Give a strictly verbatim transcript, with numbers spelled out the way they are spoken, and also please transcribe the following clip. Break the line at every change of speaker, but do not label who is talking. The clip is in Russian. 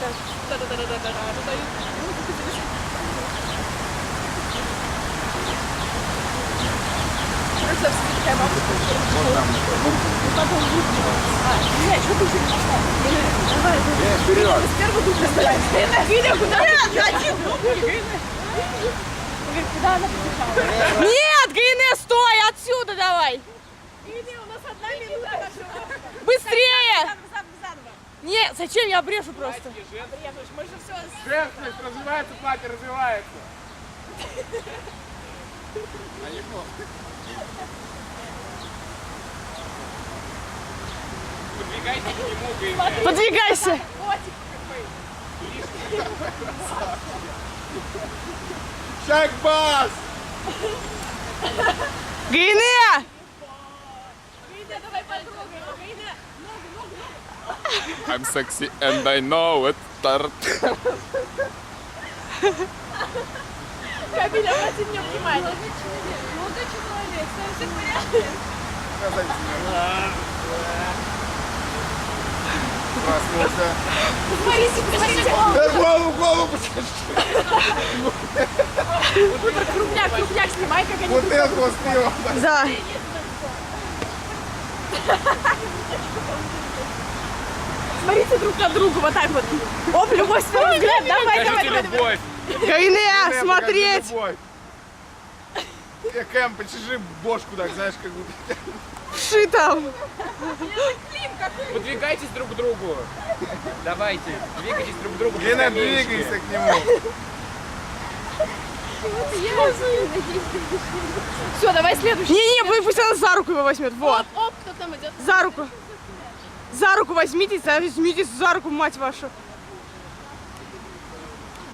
Нет, что ты еще давай, вперед. С первого дубля стоять. Видя, куда? Куда она побежала?
Нет, Гайне, стой, отсюда давай.
Гайне, у нас одна минута.
Быстрее. Нет, зачем, я обрежу просто.
Обрежешь, мы же все...
Женственность развивается, платье развивается. Подвигайся к нему, Гайне.
Подвигайся.
Шаг-бас!
Гайне!
Гайне, давай потрогаем. Гайне, ногу, ногу, ногу.
I'm sexy and I know it.
Камиль, обрати мне внимание. Молодой человек, все в порядке.
Проснулся.
Смотрите, посмотрите.
Да голову, голову!
Крупняк, крупняк, снимай, как они...
Бутылку успела.
Да.
Смотрите друг на друга, вот так вот. Оп, любовь, свой взгляд, давай, давай, давай.
любовь.
Гайне, смотреть.
Я, Кэм, почеши бошку так, знаешь, как будто.
Ши там.
Подвигайтесь друг к другу. Давайте, двигайтесь друг к другу.
Гена, двигайся к нему.
Все, давай следующий.
Не-не, пусть она за руку его возьмет. Вот.
Оп, оп, кто там идет?
За руку. За руку возьмитесь, возьмитесь за руку, мать вашу.